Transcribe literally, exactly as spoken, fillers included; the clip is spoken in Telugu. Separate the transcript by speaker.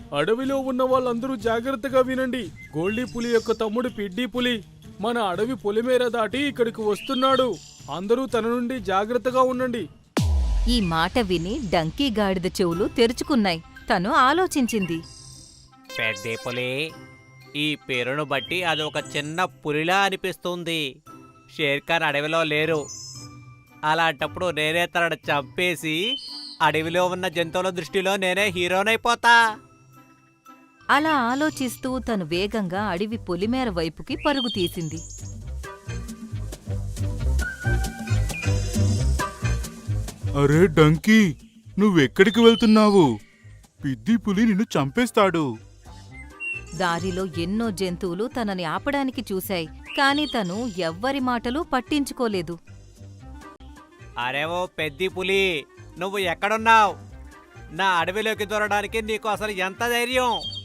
Speaker 1: అడవిలో ఉన్న వాళ్ళందరూ జాగ్రత్తగా వినండి. గోల్డీ పులి యొక్క తమ్ముడు పిడ్డీ పులి మన అడవి పొలిమేర దాటి ఇక్కడికి వస్తున్నాడు. అందరూ తన నుండి జాగ్రత్తగా ఉండండి.
Speaker 2: ఈ మాట విని డంకీ గాడిద చెవులు తెరుచుకున్నాయి. తను ఆలోచించింది.
Speaker 3: పెద్ద పులి, ఈ పేరును బట్టి అది ఒక చిన్న పులిలా అనిపిస్తుంది. షేర్ఖాన్ అడవిలో లేరు. అలాంటప్పుడు నేనే తనను చంపేసి అడవిలో ఉన్న జంతువుల దృష్టిలో నేనే హీరోనైపోతా.
Speaker 2: అలా ఆలోచిస్తూ తను వేగంగా అడవి పొలిమేర వైపుకి పరుగు తీసింది.
Speaker 4: అరే డంకీ, నువ్వెక్కడికి వెళ్తున్నావు? పిద్ది పులి నిన్ను చంపేస్తాడు.
Speaker 2: దారిలో ఎన్నో జంతువులు తనని ఆపడానికి చూశాయి, కాని తను ఎవ్వరి మాటలు పట్టించుకోలేదు.
Speaker 3: అరే ఓ పెద్ది పులి, నువ్వు ఎక్కడున్నావు? నా అడవిలోకి దూరడానికి నీకు అసలు ఎంత ధైర్యం?